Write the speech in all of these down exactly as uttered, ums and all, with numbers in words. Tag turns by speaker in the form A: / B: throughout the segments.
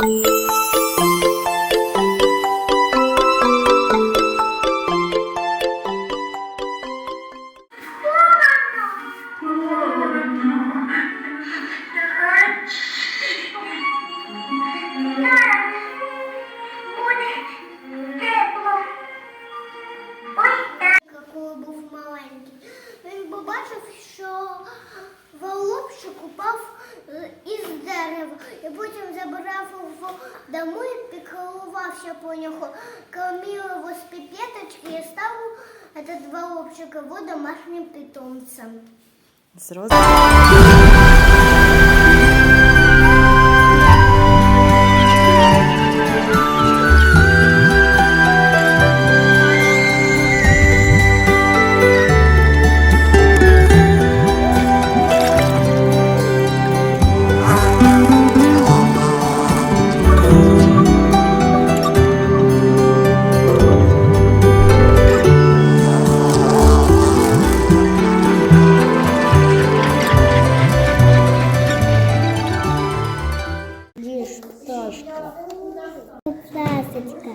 A: Коли був маленький, він побачив, що голубчик упав із дерева, і потім забрав його домой, піклувався по нього, кормив його з піпеточки і став этот голубчик його домашнім питомцем.
B: Зрозуміло.
A: Пташечка.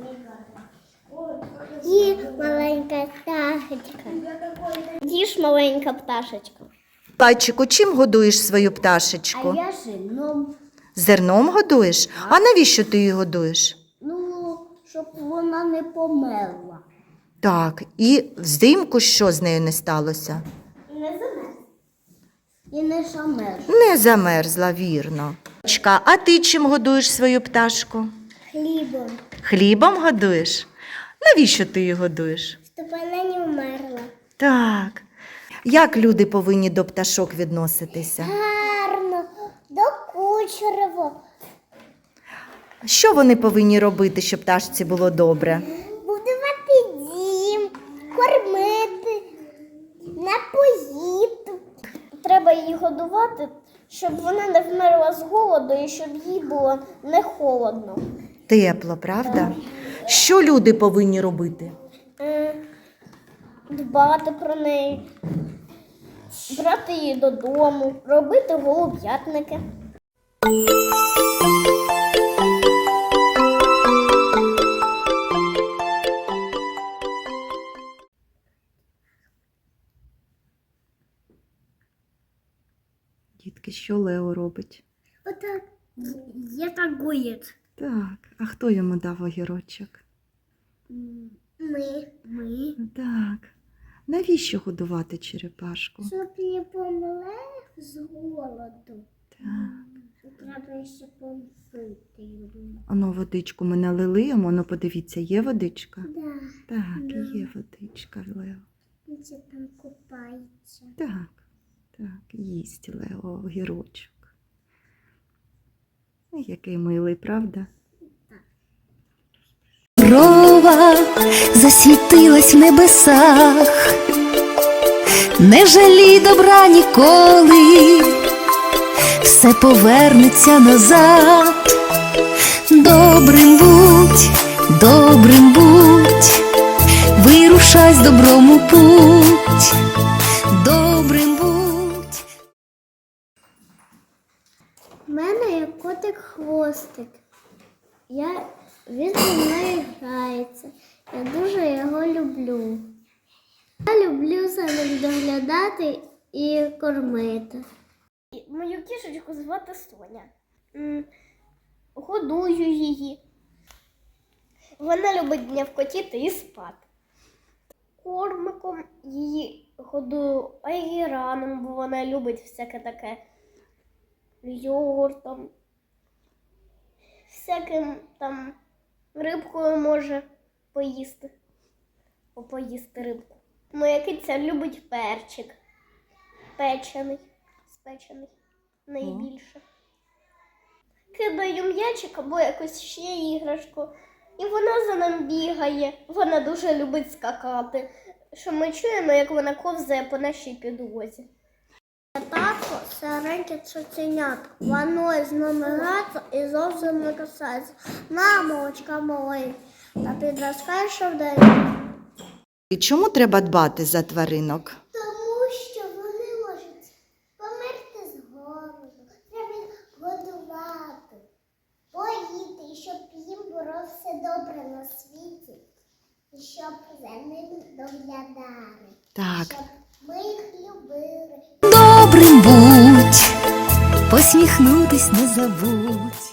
A: І маленька пташечка. Їж маленька пташечка.
B: Лайчику, чим годуєш свою пташечку?
A: А я зерном.
B: Зерном годуєш? А навіщо ти її годуєш?
A: Ну, щоб вона не померла.
B: Так, і взимку що з нею не сталося?
A: Не замерз. І не замерз.
B: Не замерзла, вірно. А ти чим годуєш свою пташку?
A: Хлібом.
B: Хлібом годуєш? Навіщо ти її годуєш?
A: Щоб вона не вмерла.
B: Так. Як люди повинні до пташок відноситися?
A: Гарно, докучливо.
B: Що вони повинні робити, щоб пташці було добре?
A: Будувати дім, кормити, напоїти. Треба її годувати, щоб вона не вмерла з голоду і щоб їй було не холодно.
B: Тепло, правда? Що люди повинні робити?
A: Е, Дбати про неї, брати її додому, робити голуб'ятники.
B: Дітки, що Лео робить?
A: Отак. Я так гоїть.
B: Так, а хто йому дав огірочок?
A: Ми. Ми.
B: Так. Навіщо годувати черепашку?
A: Щоб не помре з голоду.
B: Так.
A: Треба ще помити його.
B: Ану, водичку ми налили йому, ну подивіться, є водичка?
A: Да.
B: Так,
A: Да.
B: є водичка, Лео.
A: Він ще там купається.
B: Так, так, їсть Лео огірочок. Ой, який милий, правда?
C: Рова засвітилась в небесах, не жалій добра ніколи, все повернеться назад. Добрим будь, добрим будь, вирушай з добром у путь, добрим будь.
A: У мене є котик-хвостик. Я... Він зі мною грається. Я дуже його люблю. Я люблю за ним доглядати і кормити. Мою кішечку звати Соня. Годую її. Вона любить днявкотіти і спати. Кормиком її годую айгіраном, бо вона любить всяке таке йогуртом. Всяким там рибкою може поїсти, поїсти рибку. Моя киця любить перчик, печений, спечений найбільше. Кидаю м'ячик або якусь ще іграшку, і вона за ним бігає. Вона дуже любить скакати, що ми чуємо, як вона ковзає по нашій підлозі. Татко – стареньке цуценятко, воно з нами грається і зовсім не касається. Мамочка моя, та підростає, що вдає.
B: І чому треба дбати за тваринок?
A: Тому що вони можуть померти з голоду, треба годувати, поїсти. все добре на світі, і щоб за ним доглядали,
B: Так.
A: щоб ми їх любили.
C: Добрим будь, посміхнутись не забудь.